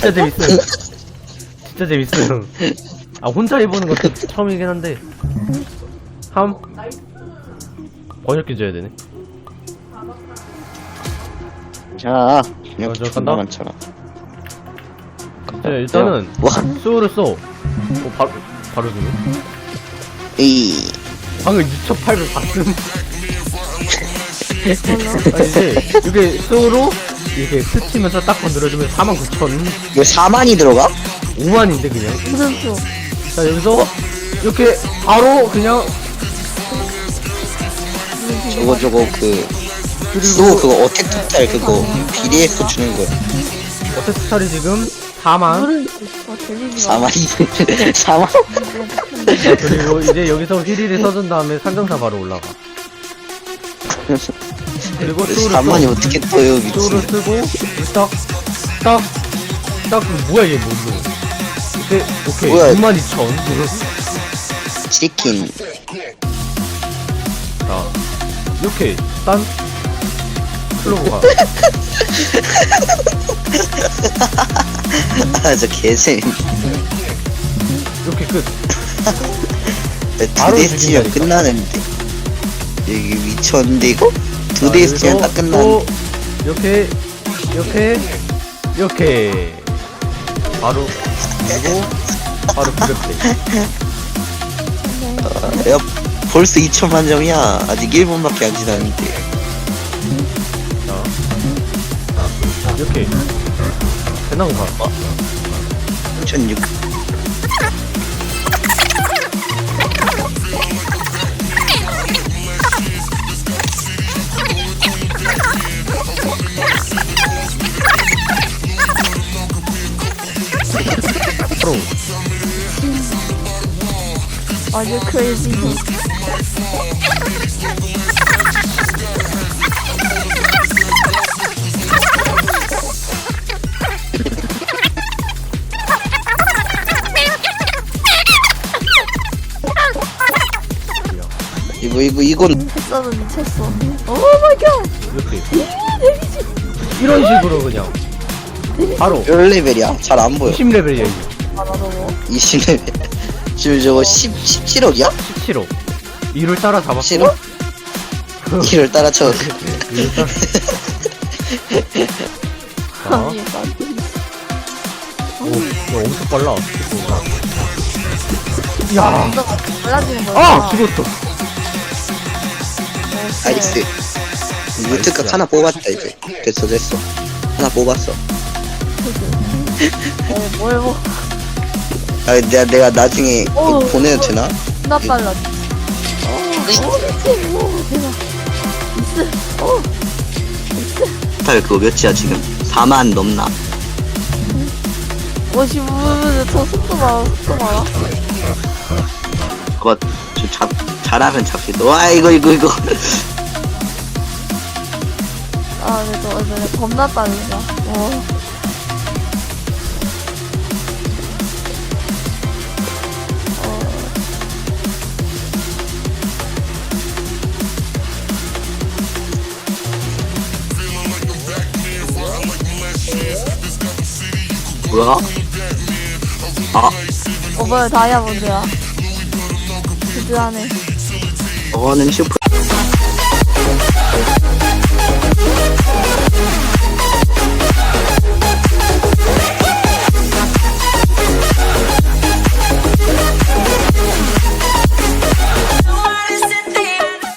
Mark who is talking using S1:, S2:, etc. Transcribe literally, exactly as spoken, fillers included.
S1: 진짜 재밌어요. 진짜 재밌어요. 아 혼자 해보는 것도 처음이긴 한데 함 번역기 줘야 되네.
S2: 자,
S1: 어, 저
S2: 존나
S1: 간다?
S2: 많잖아.
S1: 자, 일단은
S2: 와,
S1: 수호를 써. 어, 바로 바로 주네.
S2: 이
S1: 방금 육천팔백 봤음. 아, 이제 이게 수호로 이렇게 스치면서 딱 건드려주면 사만 구천.
S2: 이거 사만이 들어가?
S1: 오만인데 그냥.
S3: 무슨 수?
S1: 자 여기서 이렇게 바로 그냥
S2: 저거 저거 그
S1: 그리고
S2: 또 그거 어택 토탈 그거 비례해서 주는 거야.
S1: 어택 스타일이 지금 사만.
S3: 물을 어 재밌는 거.
S2: 사만이 사만.
S1: 자, 그리고 이제 여기서 휘리를 써준 다음에 산정사 바로 올라가. 그리고 수호를
S2: 사만이
S1: 써.
S2: 어떻게 떠요
S1: 수호를
S2: 미친.
S1: 쓰고 딱 딱 딱 뭐야 얘 뭔데? 이때 오케이
S2: 뭐야?
S1: 육만 이천.
S2: 치킨.
S1: 자 이렇게 딴 클로버가
S2: 아저 개쌤.
S1: 이렇게 끝.
S2: 두 대 스치면 끝나는데. 여기 미쳤는데 이거? 두 대 스치면 딱 끝나는.
S1: 또 이렇게 이렇게 이렇게 바로 그리고 바로 구백대.
S2: 야 벌써 이천만 점이야. 아직 일 분밖에 안 지났는데.
S1: 자 이렇게 대나무 가.
S2: 천육.
S1: 프로.
S3: 아주 크레이지.
S2: 이거 이거 이건
S3: 했어도 미쳤어. 오 마이 갓.
S1: 이렇게 이런 식으로 그냥 바로
S2: 몇 레벨이야? 잘 안 보여.
S1: 이십 레벨이야 이게.
S3: 아 나도 뭐.
S2: 이십 레벨. 지금 저거 십, 십칠억이야?
S1: 십칠호. 이를 따라 잡았고
S2: 십칠억? 이를 따라쳐.
S1: 이를 따라. 자,
S3: 아니 나.
S1: 오, 이거 엄청 빨라. 야,
S3: 뭔가 달라지는 거야.
S1: 아 죽었어.
S2: 나이스. 무트값 하나 뽑았다 이제. 됐어 됐어. 하나 뽑았어.
S3: 어, 뭘 뭐.
S2: 아 내가 내가 나중에
S3: 어,
S2: 이거 보내도 되나?
S3: 나 빨라. 어, 미친. 오, 대박. 있어. 어,
S2: 탈 그거 몇이야 지금? 사만 넘나?
S3: 오십오 분, 저 속도 봐라, 속도 봐라.
S2: 그거 좀 잡, 잘하면 잡히도. 와 이거 이거 이거.
S3: 아, 그래도 얼마나 겁나 빠르다. 어.
S2: 뭐야? 아
S3: 어, 뭐야, 다이아몬드야. 드드하네.
S2: 저거는 슈퍼